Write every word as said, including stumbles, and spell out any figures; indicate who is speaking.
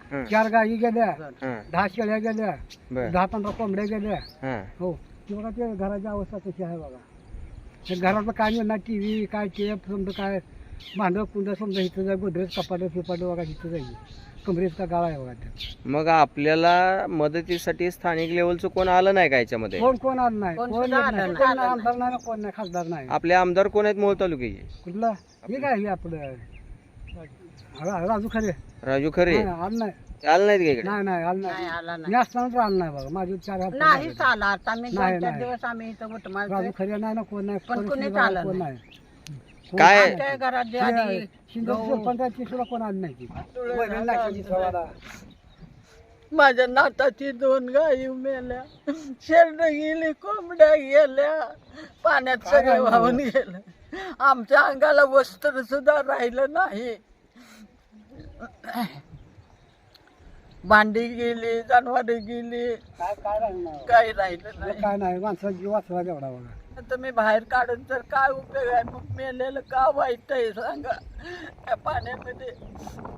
Speaker 1: हं.
Speaker 2: चार गायी गेल्या,
Speaker 1: हं.
Speaker 2: दहा शेळ्या गेल्या,
Speaker 1: बर
Speaker 2: दहा पंधरा कोंबड्या गेल्या.
Speaker 1: हं.
Speaker 2: हो ती बघा ते घराची अवस्था कशी आहे बघा. ते घरातलं काय नाही ना, टी व्ही काय टेप समजा काय भांडं कुंड समजा इथं जाईल, गोदरेज कपाटं फिपाटं बघा इथं जाईल. कमरेत का गाळा आहे बघा ते.
Speaker 1: मग आपल्याला मदतीसाठी स्थानिक लेवलचं कोण आलं नाही का याच्यामध्ये?
Speaker 2: कोण कोण आलं नाही,
Speaker 3: कोण
Speaker 2: कोण
Speaker 3: सुद्धा
Speaker 2: येत
Speaker 3: आलं
Speaker 2: नाही.
Speaker 3: नाही.
Speaker 2: कोण नाही, आमदार नाही ना, कोण नाही, खासदार नाही.
Speaker 1: आपले आमदार कोण आहेत मूळ तालुक्याचे?
Speaker 2: कुठलं हे काय हे आपलं रा- राजू खरे
Speaker 1: राजू खरे
Speaker 2: नाही, आलं नाही.
Speaker 1: आलं नाहीत का इकडे?
Speaker 2: नाही नाही आलं
Speaker 3: नाही
Speaker 2: नाही.
Speaker 3: आला
Speaker 2: मी
Speaker 3: नाही
Speaker 2: असताना तर आलं नाही बघा. माझे चार हात
Speaker 3: नाही
Speaker 2: पडले.
Speaker 3: चाला आता मी
Speaker 2: नाही,
Speaker 3: दोन चार
Speaker 2: नाही.
Speaker 3: दिवस आम्ही इथं उठ
Speaker 2: राजू
Speaker 3: मारतोय
Speaker 2: खरे नाही ना, कोण नाही,
Speaker 3: पण
Speaker 2: कोण
Speaker 3: कोणीच
Speaker 2: शिंदे
Speaker 3: आलं
Speaker 2: कोण
Speaker 3: नाही.
Speaker 2: नाही.
Speaker 1: काय
Speaker 3: आमच्या घरात जे आधी
Speaker 2: शिंदे सरपंचाची सुद्धा कोण आलं नाही ती. वैरण लागायची सवाला.
Speaker 3: माझ्या नाताची दोन गायी मेल्या, शेरड गेली, कोंबड्या गेल्या, पाण्यात सगळं वाहून गेलं. आमच्या अंगाला वस्त्र सुद्धा राहिलं नाही. भांडी गेली, जनावरे गेली,
Speaker 2: काय काय राहणार
Speaker 3: काही राहिलं नाही.
Speaker 2: काय नाही, माणसाचा जीव वाचला तेवढा बघा.
Speaker 3: आता मी बाहेर काढून तर काय उपयोग आहे? मग मेलेलं का वाईट आहे सांगा त्या पाण्यामध्ये.